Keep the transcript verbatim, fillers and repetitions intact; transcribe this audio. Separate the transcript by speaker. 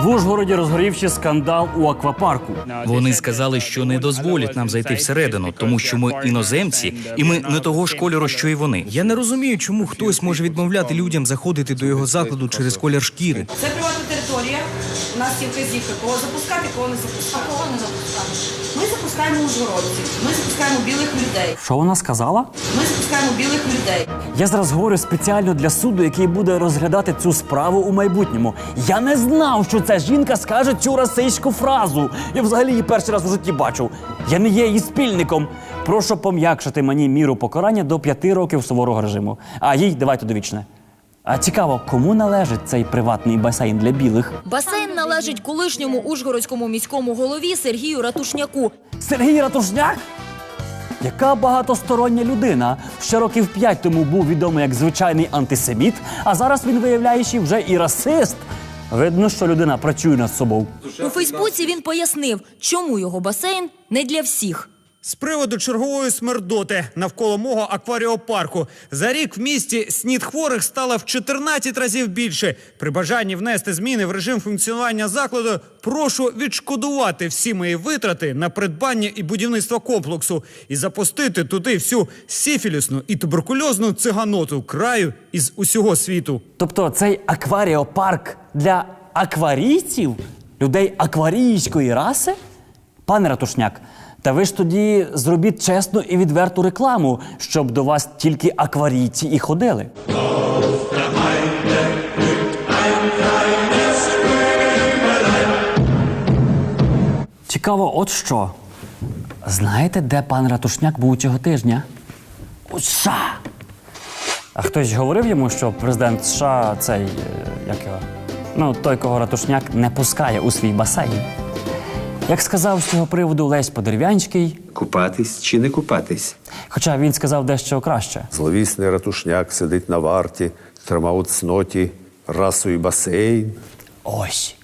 Speaker 1: В Ужгороді розгорівся скандал у аквапарку.
Speaker 2: Вони сказали, що не дозволять нам зайти всередину, тому що ми іноземці, і ми не того ж кольору, що і вони.
Speaker 3: Я не розумію, чому хтось може відмовляти людям заходити до його закладу через колір шкіри.
Speaker 4: Це приватна територія. У нас є вказівка, кого запускати, кого не запускати. А кого не запускати? Ми запускаємо ужгородців, ми запускаємо білих людей.
Speaker 1: Що вона сказала?
Speaker 4: Ми запускаємо білих людей.
Speaker 1: Я зараз говорю спеціально для суду, який буде розглядати цю справу у майбутньому. Я не знав, що ця жінка скаже цю расистську фразу. Я взагалі її перший раз у житті бачив. Я не є її спільником. Прошу пом'якшити мені міру покарання до п'яти років суворого режиму. А їй давайте довічне. А цікаво, кому належить цей приватний басейн для білих?
Speaker 5: Басейн належить колишньому ужгородському міському голові Сергію Ратушняку.
Speaker 1: Сергій Ратушняк? Яка багатостороння людина. Ще років п'ять тому був відомий як звичайний антисеміт, а зараз він, виявляючи, вже і расист. Видно, що людина працює над собою.
Speaker 5: У Фейсбуці він пояснив, чому його басейн не для всіх.
Speaker 6: З приводу чергової смердоти навколо мого акваріопарку. За рік в місті снід-хворих стало в чотирнадцять разів більше. При бажанні внести зміни в режим функціонування закладу прошу відшкодувати всі мої витрати на придбання і будівництво комплексу і запустити туди всю сифілісну і туберкульозну циганоту краю із усього світу.
Speaker 1: Тобто цей акваріопарк для акварійців? Людей акварійської раси? Пане Ратушняк, та ви ж тоді зробіть чесну і відверту рекламу, щоб до вас тільки акварійці і ходили. Цікаво, от що. Знаєте, де пан Ратушняк був цього тижня? У США! А хтось говорив йому, що президент США цей, е, як його, ну, той, кого Ратушняк не пускає у свій басейн. Як сказав з цього приводу Лесь Подерев'янський,
Speaker 7: купатись чи не купатись?
Speaker 1: Хоча він сказав дещо краще.
Speaker 8: Зловісний Ратушняк сидить на варті, тримав у цноті расу і басейн.
Speaker 1: Ось.